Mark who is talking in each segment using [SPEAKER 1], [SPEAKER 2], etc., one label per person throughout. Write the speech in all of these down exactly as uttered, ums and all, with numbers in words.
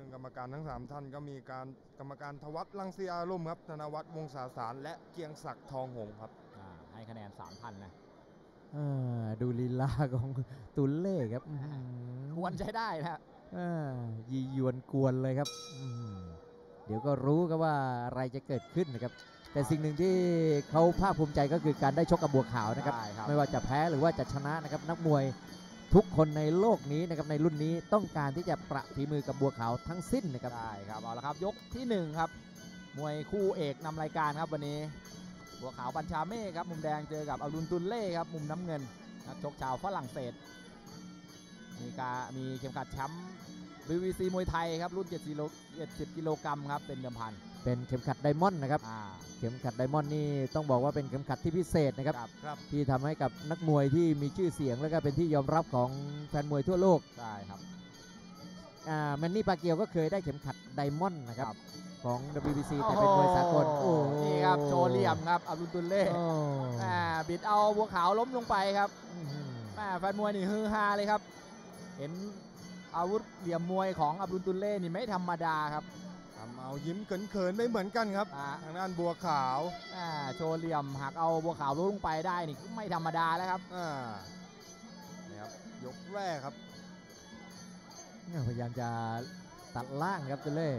[SPEAKER 1] กรรมการทั้งสามท่านก็มีการกรรมการทวัฒน์รังสีอารมณ์ครับธนวัฒน์วงศาสารและเกียงศักดิ์ทองหงส์ครับ
[SPEAKER 2] ให้คะแนนสามพันนะ
[SPEAKER 3] ดูลีลาของตุลเล่ครับ
[SPEAKER 2] ควรใช้ได้นะ
[SPEAKER 3] ยียวนกวนเลยครับเดี๋ยวก็รู้ครับว่าอะไรจะเกิดขึ้นนะครับแต่สิ่งหนึ่งที่เขาภาคภูมิใจก็คือการได้ชกกับบัวขาวนะครับไม่ว่าจะแพ้หรือว่าจะชนะนะครับนักมวยทุกคนในโลกนี้นะครับในรุ่นนี้ต้องการที่จะประฝีมือกับบัวขาวทั้งสิ้นนะครับ
[SPEAKER 2] ได้ครับเอาละครับยกที่หนึ่งครับมวยคู่เอกนำรายการครับวันนี้บัวขาวบัญชาเม่ครับมุมแดงเจอกับอับดุลตุลเล่ครับมุมน้ำเงินนักชกชาวฝรั่งเศสมีการมีเข็มขัดแชมป์ บี วี ซี มวยไทยครับรุ่นเจ็ดสิบกิโลกรัมครับเป็นเดิมพัน
[SPEAKER 3] เป็นเข็มขัดไดมอนด์นะครับเข็มขัดไดมอนด์นี่ต้องบอกว่าเป็นเข็มขัดที่พิเศษนะครับที่ทำให้กับนักมวยที่มีชื่อเสียงและก็เป็นที่ยอมรับของแฟนมวยทั่วโลก
[SPEAKER 2] ใช่ครับ
[SPEAKER 3] แมนนี่ปาเกียวก็เคยได้เข็มขัดไดมอนด์นะครับของ ดับเบิลยู บี ซี แต่เป็นมวยสากล
[SPEAKER 2] นี่ครับโชว์เหลี่ยมครับอับดุลตุลเล่บิดเอาบัวขาวล้มลงไปครับแฟนมวยนี่ฮือฮาเลยครับเห็นอาวุธเหลี่ยมมวยของอับดุลตุลเล่นี่ไม่ธรรมดาครับ
[SPEAKER 1] ทำเอายิ้มเขินๆไม่เหมือนกันครับทางด้านบัวขาว
[SPEAKER 2] โชว์เหลี่ยมหักเอาบัวขาวล้มลงไปได้นี่ไม่ธรรมดาแล้วครับ
[SPEAKER 1] นี่ครับยกแรกครับ
[SPEAKER 3] พยายามจะตัดล่างครับตุลเล่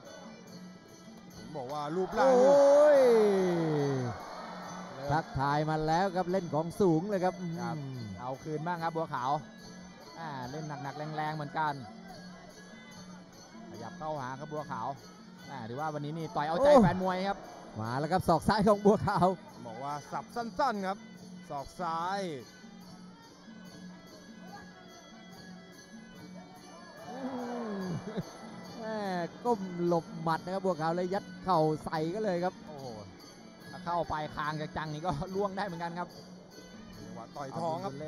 [SPEAKER 1] บอกว่ารูปร่าง
[SPEAKER 3] ทักทายมาแล้วครับเล่นของสูงเลยครับ
[SPEAKER 2] เอาคืนบ้างครับบัวขาวเล่นหนักๆแรงๆเหมือนกันขยับเข้าหาครับบัวขาวถือว่าวันนี้นี่ต่อยเอาใจแฟนมวยครับ
[SPEAKER 3] มาแล้วครับศอกซ้ายของบัวขาว
[SPEAKER 1] บอกว่าสับสั้นๆครับศอกซ้าย
[SPEAKER 3] ก้มหลบหมัดนะครับบัวขาวเลยยัดเข่าใส่ก็เลยครับ
[SPEAKER 2] โอ้ถ้าเข้าไปคางจังๆนี่ก็ล่วงได้เหมือนกันครับ
[SPEAKER 1] ว่าต่อยท้องครับ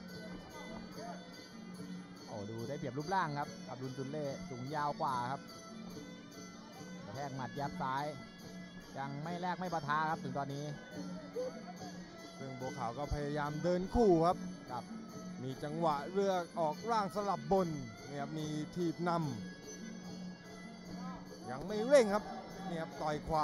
[SPEAKER 2] โอ้ดูได้เปรียบรูปร่างครับอับดุลตุลเล่สูงยาวกว่าครับกระแทกหมัดยับซ้ายยังไม่แลกไม่ปะทะครับถึงตอนนี้
[SPEAKER 1] ซึ่งบัวขาวก็พยายามเดินคู่ครับกับมีจังหวะเลือกออกร่างสลับบนเนี่ยมีทีบนำยังไม่เร่งครับเนี่ยต่อยขวา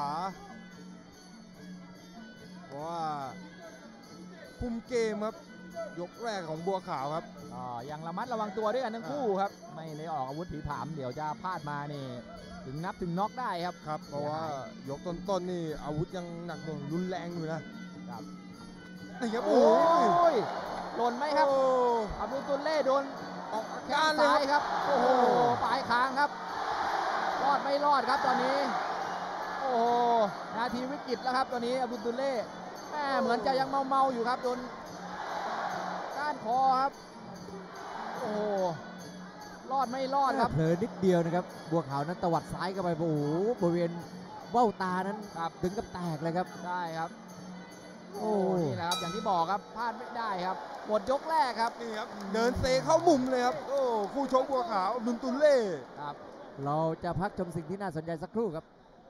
[SPEAKER 1] เพราะว่าคุมเกมครับยกแรกของบัวขาวครับ
[SPEAKER 2] ก็ยังระมัดระวังตัวด้วยกันทั้งคู่ครับไม่ได้ออกอาวุธผีผามเดี๋ยวจะพลาดมานี่ถึงนับถึงน็อกได้ครับ
[SPEAKER 1] ครับเพราะว่ายกต้นๆนี่อาวุธยังหนักหน่วงรุนแรงอยู่นะครับนี่ครับโอ้
[SPEAKER 2] ยหล่นไหมครับอับดุลตุลเล่โดน
[SPEAKER 1] ออกอาการเลย
[SPEAKER 2] ครับโอ้โหปลายคางครับรอดไม่รอดครับตอนนี้โอ้โหนาทีวิกฤตแล้วครับตอนนี้อับดุลตุลเล่แม่เหมือนจะยังเมาๆอยู่ครับโดนก้านคอครับโอ้รอดไม่รอดครับ
[SPEAKER 3] เผลอนิดเดียวนะครับบัวขาวนั้นตวัดซ้ายเข้าไปโอ้โหบริเวณเบ้าตานั้นถึงกับแตกเลยครับ
[SPEAKER 2] ใช่ครับโอ้นี่แหละครับอย่างที่บอกครับพลาดไม่ได้ครับหมดยกแรกครับ
[SPEAKER 1] นี่ครับเดินเซเข้ามุมเลยครับโอ้คู่ชกบัวขาวดุลตุลเล่
[SPEAKER 3] ครับเราจะพักชมสิ่งที่น่าสนใจสักครู่ครับ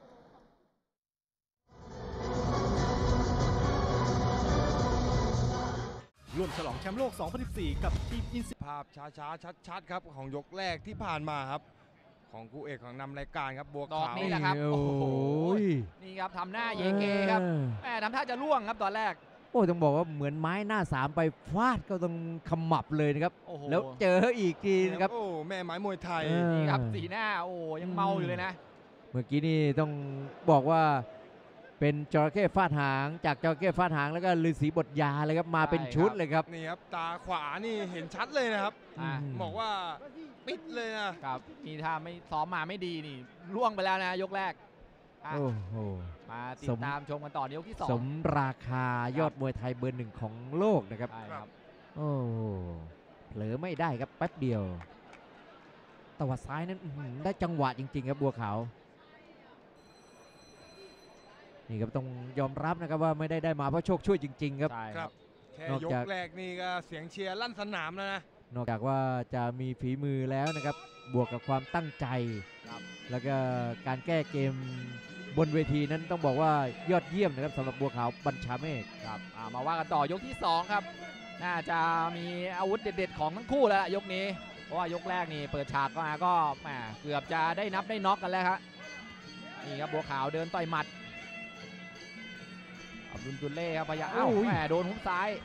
[SPEAKER 4] ร่วมฉลองแชมป์โลก สองพันสิบสี่ กับทีมอินสิ
[SPEAKER 1] ภาพช้าๆชัดๆครับของยกแรกที่ผ่านมาครับของคู่เอกของนำรายการครับบัวขาว
[SPEAKER 2] นี่แหละครับโอ้โหนี่ครับทำหน้าเยเกครับแหมทำท่าจะล่วงครับตอนแรก
[SPEAKER 3] โอ้ต้องบอกว่าเหมือนไม้หน้าสามไปฟาดก็ต้องขมับเลยนะครับแล้วเจออีกทีนะครับ
[SPEAKER 1] โอ้แม่ไม้มวยไทย
[SPEAKER 2] นี่ครับสีหน้าโอ้ยังเมาอยู่เลยนะ
[SPEAKER 3] เมื่อกี้นี่ต้องบอกว่าเป็นจระเข้ฟาดหางจากจระเข้ฟาดหางแล้วก็ฤาษีบทยาเลยครับมาเป็นชุดเลยครับ
[SPEAKER 1] นี่ครับตาขวานี่เห็นชัดเลยนะครับบอกว่าปิดเลย
[SPEAKER 2] นะครับนี่ถ้าไม่ซ้อมมาไม่ดีนี่ล่วงไปแล้วนะยกแรก
[SPEAKER 3] โอ้โห
[SPEAKER 2] มาติดตามชมกันต่อยกที่สอง
[SPEAKER 3] สมราคายอดมวยไทยเบอร์หนึ่งของโลกนะครับโอ้เผลอไม่ได้ครับแป๊บเดียวตวัดซ้ายนั้นได้จังหวะจริงๆครับบัวขาวนี่ครับต้องยอมรับนะครับว่าไม่ได้ได้มาเพราะโชคช่วยจริงๆครับ
[SPEAKER 1] ครับแค่ยกแรกนี่ก็เสียงเชียร์ลั่นสนามแล้วนะ
[SPEAKER 3] นอกจากว่าจะมีฝีมือแล้วนะครับบวกกับความตั้งใจแล้วก็การแก้เกมบนเวทีนั้นต้องบอกว่ายอดเยี่ยมนะครับสำหรับบัวขาวบัญชาเมฆ
[SPEAKER 2] ครับมาว่ากันต่อยกที่สองครับน่าจะมีอาวุธเด็ดๆของทั้งคู่แล้วยกนี้เพราะว่ายกแรกนี่เปิดฉากมาก็แหมเกือบจะได้นับได้น็อกกันแล้วครับนี่ครับบัวขาวเดินต่อยหมัดอับดุลตุลเล่ครับพยายามอ้าวแหมโดนหุ้มซ้าย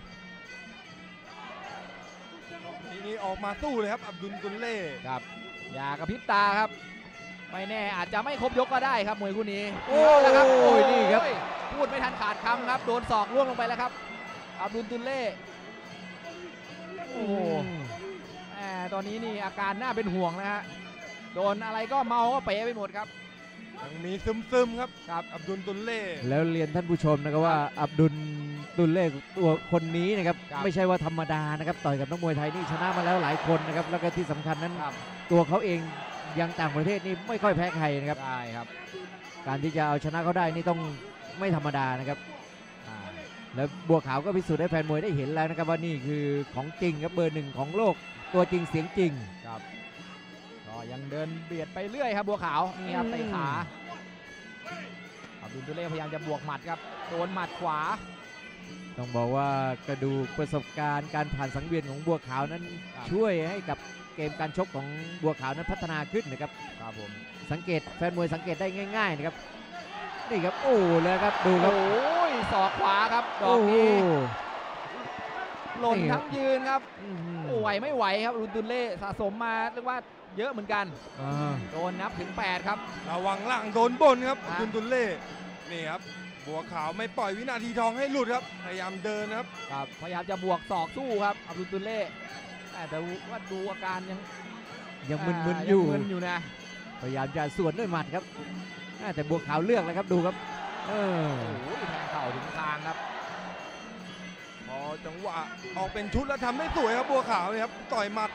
[SPEAKER 1] ทีนี้ออกมาสู้เลยครับอับดุลตุลเล่
[SPEAKER 2] ครับอย่ากระพริบตาครับไม่แน่อาจจะไม่ครบยกก็ได้ครับมวยคู่นี้
[SPEAKER 3] โอ้
[SPEAKER 2] แล้วครับโอ้ย
[SPEAKER 3] นี่ครับ
[SPEAKER 2] พูดไม่ทันขาดคำครับโดนศอกล่วงลงไปแล้วครับอับดุลตุลเล่โอ้โหแหมตอนนี้นี่อาการน่าเป็นห่วงนะฮะโดนอะไรก็เมาก็เป๋ไปหมดครับ
[SPEAKER 1] ยังมีซึมๆครับครับอับดุลตุลเล่
[SPEAKER 3] แล้วเรียนท่านผู้ชมนะครับว่าอับดุลตุลเล่ตัวคนนี้นะครับไม่ใช่ว่าธรรมดานะครับต่อยกับนักมวยไทยนี่ชนะมาแล้วหลายคนนะครับแล้วก็ที่สำคัญนั้นตัวเขาเองยังต่างประเทศนี่ไม่ค่อยแพ้ใครนะครับ
[SPEAKER 2] ใช่ครับ
[SPEAKER 3] การที่จะเอาชนะเขาได้นี่ต้องไม่ธรรมดานะครับแล้วบัวขาวก็พิสูจน์ให้แฟนมวยได้เห็นแล้วนะครับว่านี่คือของจริงครับเบอร์หนึ่งของโลกตัวจริงเสียงจริง
[SPEAKER 2] ครับก็ยังเดินเบียดไปเรื่อยครับบัวขาวนี่ครับเตะขาอับดุลตุลเล่พยายามจะบวกหมัดครับโดนหมัดขวา
[SPEAKER 3] ต้องบอกว่ากระดูกประสบการณ์การผ่านสังเวียนของบัวขาวนั้นช่วยให้กับเกมการชกของบัวขาวนั้นพัฒนาขึ้นนะครับ
[SPEAKER 2] ครับผม
[SPEAKER 3] สังเกตแฟนมวยสังเกตได้ง่ายๆนะครับนี่ครับโอ้เลยครับดูครับ
[SPEAKER 2] โอ้ยศอกขวาครับดอกนี้หล่นทั้งยืนครับโอ้ไหวไม่ไหวครับอับดุลตุลเล่สะสมมาเรียกว่าเยอะเหมือนกันโดนนับถึงแปดครับ
[SPEAKER 1] ระวังล่างโดนบนครับอับดุลตุลเล่นี่ครับบัวขาวไม่ปล่อยวินาทีทองให้หลุดครับพยายามเดินครับ
[SPEAKER 2] ครับพยายามจะบวกศอกสู้ครับอับดุลตุลเล่แต่ว่าดูอาการยัง
[SPEAKER 3] ยังมึนๆอยู่
[SPEAKER 2] มึนอยู่นะ
[SPEAKER 3] พยายามจะสวนด้วยหมัดครับแต่บัวขาวเลือกแล้วครับดูครับเออ
[SPEAKER 2] โอ้โหแทงเข่าถึงคางครับ
[SPEAKER 1] พอจังหวะออกเป็นชุดแล้วทำได้สวยครับบัวขาวเลยครับต่อยหมัด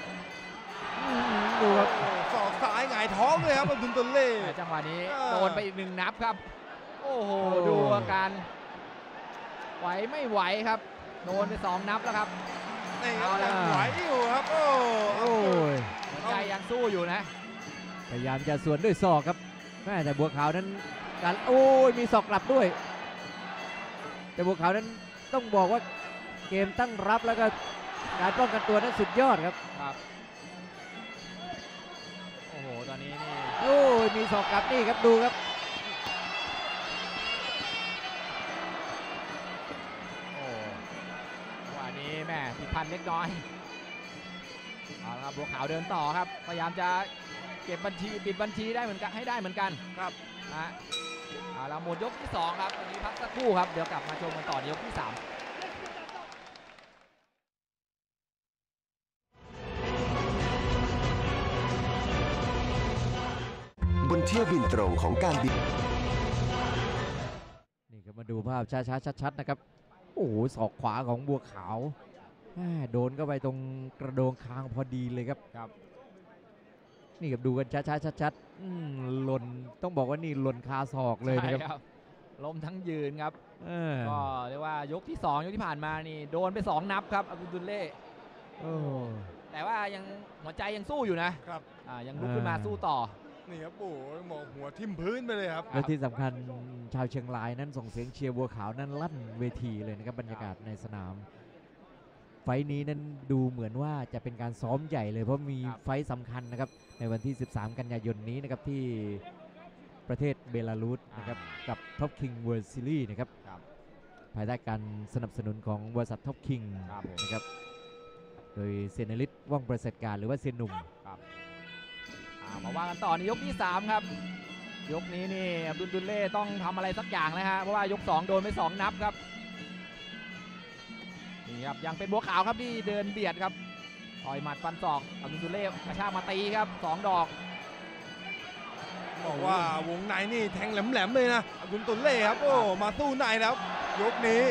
[SPEAKER 3] ดูครับ
[SPEAKER 1] ศอกซ้ายหงายท้องเลยครับอับดุลตุลเล่
[SPEAKER 2] จังหวะนี้โดนไปอีกหนึ่งนับครับโอ้โหดูอาการไหวไม่ไหวครับโดนไปสองนับแล้วครับ
[SPEAKER 1] เอาละไหวอยู่ครับโอ้
[SPEAKER 3] โอ้ย
[SPEAKER 2] ใจยังสู้อยู่นะ
[SPEAKER 3] พยายามจะสวนด้วยศอกครับแม่แต่บัวขาวนั้นการโอ้ยมีศอกกลับด้วยแต่บัวขาวนั้นต้องบอกว่าเกมตั้งรับแล้วก็การป้องกันตัวนั้นสุดยอดครับ
[SPEAKER 2] ครับโอ้โหตอนนี้นี่
[SPEAKER 3] โอ้ยมีศอกกลับนี่ครับดูครับ
[SPEAKER 2] แม่ผิดพันเล็กน้อยเอาละครับบัวขาวเดินต่อครับพยายามจะเก็บบัญชีปิดบัญชีได้เหมือนกันให้ได้เหมือนกัน
[SPEAKER 1] ครับ
[SPEAKER 2] นะเอาละหมดยกที่สองครับวันนี้พักสักครู่ครับเดี๋ยวกลับมาชมกันต่อในยกที่สาม
[SPEAKER 5] บนเที่ยวบินตรงของการบิน
[SPEAKER 3] นี่ก็มาดูภาพช้าๆชัดๆนะครับโอ้โหศอกขวาของบัวขาวโดนเข้าไปตรงกระโดงคางพอดีเลยครับ
[SPEAKER 2] ครับ
[SPEAKER 3] นี่ครับดูกันช้าๆชัดๆหล่นต้องบอกว่านี่หล่นคาศอกเลยนะครับ
[SPEAKER 2] ล้มทั้งยืนครับก็เรียกว่ายกที่สองยกที่ผ่านมานี่โดนไปสองนับครับอับดุลตุลเล่แต่ว่ายังหัวใจยังสู้อยู่นะครับยังลุกขึ้นมาสู้ต่อ
[SPEAKER 1] นี่ครับโอ้หมอกหัวทิ่มพื้นไปเลยครับ
[SPEAKER 3] และที่สำคัญชาวเชียงรายนั้นส่งเสียงเชียร์บัวขาวนั้นลั่นเวทีเลยนะครับบรรยากาศในสนามไฟนี้นั้นดูเหมือนว่าจะเป็นการซ้อมใหญ่เลยเพราะมีไฟสำคัญนะครับในวันที่สิบสามกันยายนนี้นะครับที่ประเทศเบลารุสนะครับกับ Top King World Series นะครับภายใต้การสนับสนุนของบริษัท Top King นะครับโดยเซนลิตว่องประเสริฐการหรือว่าเซนหนุ่ม
[SPEAKER 2] มาว่ากันต่อในยกที่สามครับยกนี้นี่อับดุลตุลเล่ต้องทำอะไรสักอย่างนะฮะเพราะว่ายกสองโดนไปสองนับครับนี่ครับยังเป็นบัวขาวครับที่เดินเบียดครับต่อยหมัดฟันศอกอับดุลตุลเล่กระชากมาตีครับสองดอก
[SPEAKER 1] บอกว่าวงในนี่แทงแหลมๆเลยนะอับดุลตุลเล่ครับโอ้มาสู้ในแล้วยกนี้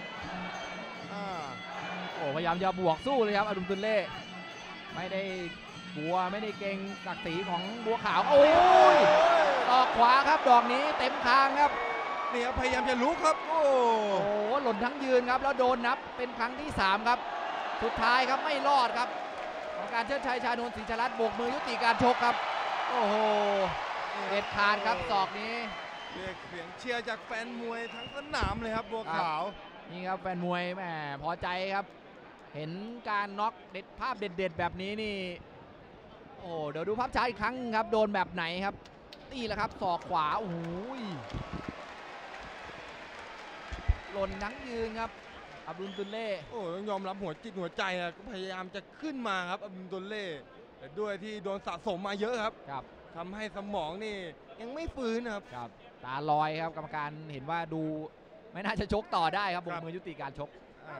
[SPEAKER 2] โอ้พยายามจะบวกสู้เลยครับอับดุลตุลเล่ไม่ได้กลัวไม่ได้เก่งศักดิ์ศรีของบัวขาวโอ้ยตอกขวาครับดอกนี้เต็มคางครับ
[SPEAKER 1] นี่ครับพยายามจะลุกครับโอ้
[SPEAKER 2] โหหล่นทั้งยืนครับแล้วโดนนับเป็นครั้งที่สามครับสุดท้ายครับไม่รอดครับของการเชิดชัยชานนท์ศรีชลัดโบกมือยุติการชกครับโอ้โหเด็ดขาดครับศอกนี้
[SPEAKER 1] เรียกเสียงเชียร์จากแฟนมวยทั้งสนามเลยครับบัวขาว
[SPEAKER 2] นี่ครับแฟนมวยแหมพอใจครับเห็นการน็อกเด็ดภาพเด็ดๆแบบนี้นี่โอ้เดี๋ยวดูภาพช้าอีกครั้งครับโดนแบบไหนครับนี่แหละครับศอกขวาโอ้โหหล่นทั้งยืนครับอับดุลตุลเล่
[SPEAKER 1] โอ้ต้องยอมรับหัวจิตหัวใจนะก็พยายามจะขึ้นมาครับอับดุลตุลเล่แต่ด้วยที่โดนสะสมมาเยอะครับ
[SPEAKER 2] ครับ
[SPEAKER 1] ทำให้สมองนี่ยังไม่ฟื้นครับ
[SPEAKER 2] ครับตาลอยครับกรรมการเห็นว่าดูไม่น่าจะชกต่อได้ครับบกมือยุติการชก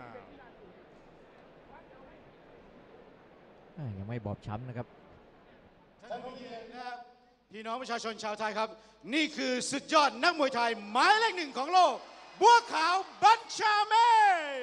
[SPEAKER 3] ยังไม่บอบช้ำนะครับ
[SPEAKER 6] ท่านผู้เกียรตินะครับพี่น้องประชาชนชาวไทยครับนี่คือสุดยอดนักมวยไทยหมายเลขหนึ่งของโลกบัวขาวบัญชาเมฆ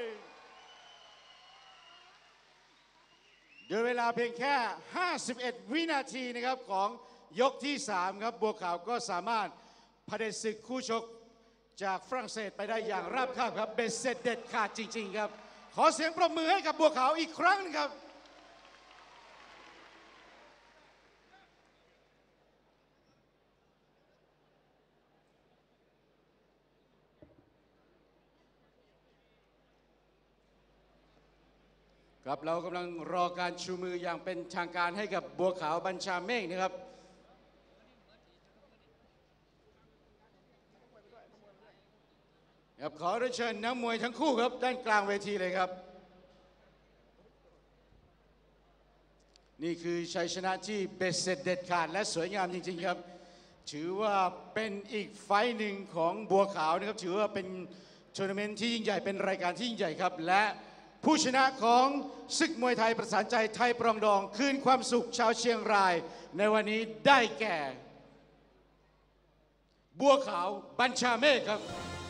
[SPEAKER 6] โดยเวลาเพียงแค่ห้าสิบเอ็ดวินาทีนะครับของยกที่สามครับบัวขาวก็สามารถเผด็จศึกคู่ชกจากฝรั่งเศสไปได้อย่างราบคาบครับเบ็ดเสร็จเด็ดขาดจริงๆครับขอเสียงปรบมือให้กับบัวขาวอีกครั้งนึงครับครับเรากำลังรอการชูมืออย่างเป็นทางการให้กับบัวขาวบัญชาเมฆนะครับครับขอเรียนเชิญนักมวยทั้งคู่ครับด้านกลางเวทีเลยครับนี่คือชัยชนะที่เบ็ดเสร็จเด็ดขาดและสวยงามจริงๆครับถือว่าเป็นอีกไฟต์หนึ่งของบัวขาวนะครับถือว่าเป็นทัวร์นาเมนต์ที่ยิ่งใหญ่เป็นรายการที่ยิ่งใหญ่ครับและผู้ชนะของศึกมวยไทยประสานใจไทยปรองดองคืนความสุขชาวเชียงรายในวันนี้ได้แก่บัวขาวบัญชาเมฆครับ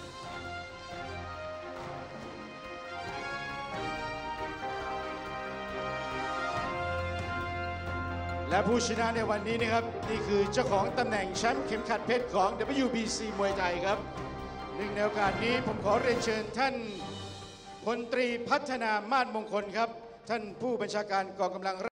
[SPEAKER 6] และผู้ชนะในวันนี้นะครับนี่คือเจ้าของตำแหน่งแชมป์เข็มขัดเพชรของ ดับเบิลยู บี ซี มวยไทยครับหนึ่งในโอกาสนี้ผมขอเรียนเชิญท่านพลตรีพัฒนามาศมงคลครับท่านผู้บัญชาการกองกำลัง